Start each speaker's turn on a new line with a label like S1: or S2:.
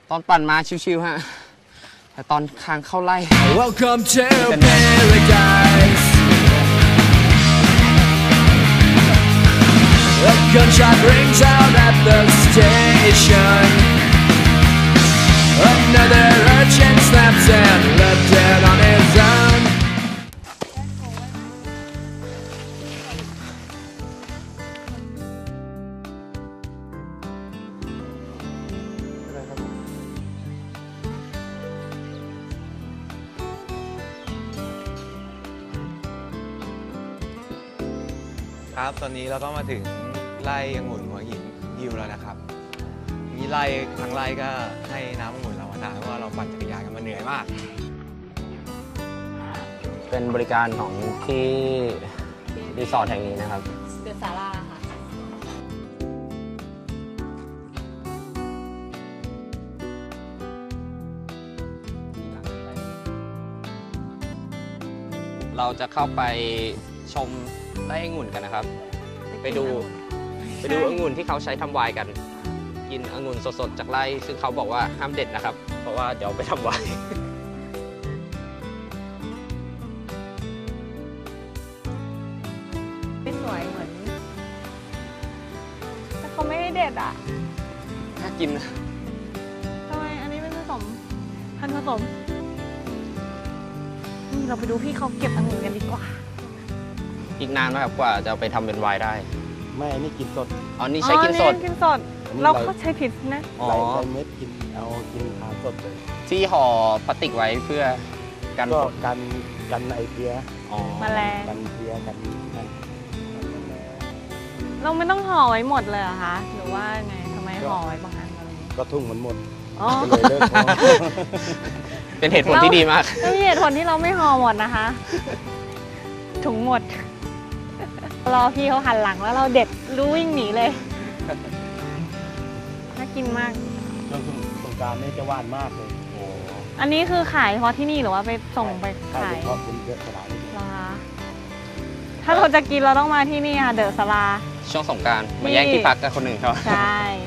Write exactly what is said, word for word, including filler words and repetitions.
S1: ตอนปั่นมาชิวๆฮะแต่ตอนทางเข้าไล่
S2: Welcome to paradise. A gunshot rings out at the station. Another urchin snaps and left dead on his own.
S3: ครับตอนนี้เราก็มาถึงไร่องุ่นหัวหินฮิวแล้วนะครับมีไร่ทั้งไร่ก็ให้น้ำองุ่นเรามาทานเพราะว่าเราปั่นจักรยานกันมาเหนื่อยมาก
S1: เป็นบริการของที่รีสอร์ทแห่งนี้นะครับ
S4: เดอะศาลาค่ะ
S1: เราจะเข้าไปชมไร่องุ่นกันนะครับไปดูไปดูองุ่นที่เขาใช้ทำไวน์กันกินองุ่นสดๆจากไร่ซึ่งเขาบอกว่าห้ามเด็ดนะครับเพราะว่าเดี๋ยวไปทำไวน์
S4: ไม่สวยเหมือนแต่เขาไม่ได้เด็ดอ่ะ
S1: น่ากิน
S4: ทำไมอันนี้เป็นผสมพันธุ์ผสมเราไปดูพี่เขาเก็บองุ่นกันดีกว่า
S1: อีกนานไหมครับกว่าจะไปทำเป็นไวน์ได้
S5: ไม่อันนี้กินสด
S1: อ๋อนี่ใช้กินสด
S4: กินสดเราเขาใช้ผิดนะ
S5: อ๋อเม็ดกินเอากินทานสดเลย
S1: ที่ห่อพลาสติกไว้เพื่อกัน
S5: ก็กันกันไอเพี้ย
S4: แมลง
S5: กันเพี้ยกันนั่น
S4: เราไม่ต้องห่อไว้หมดเลยเหรอคะหรือว่าไงทำไมห่อไว้บางอันอะไร
S5: ก็ทุ่งมันหมด
S4: เลยเลิก
S1: เป็นเหตุผลที่ดีมาก
S4: ไม่มีเหตุผลที่เราไม่ห่อหมดนะคะถุงหมดรอพี่เขาหันหลังแล้วเราเด็ดรู้วิ่งหนีเลยน่ากินมาก
S5: ช่วงสงกรานต์นี่จะหวานมากเลย
S4: อันนี้คือขายเฉพาะที่นี่หรือว่าไปส่งไปขาย
S5: เฉพาะเป็นเยอะขนาดนี้
S4: ถ้าเราจะกินเราต้องมาที่นี่ค่ะเดอะศาลา
S1: ช่วงสงกรานต์มาแย่งที่พักกับคนหนึ่งเขา
S4: ใช่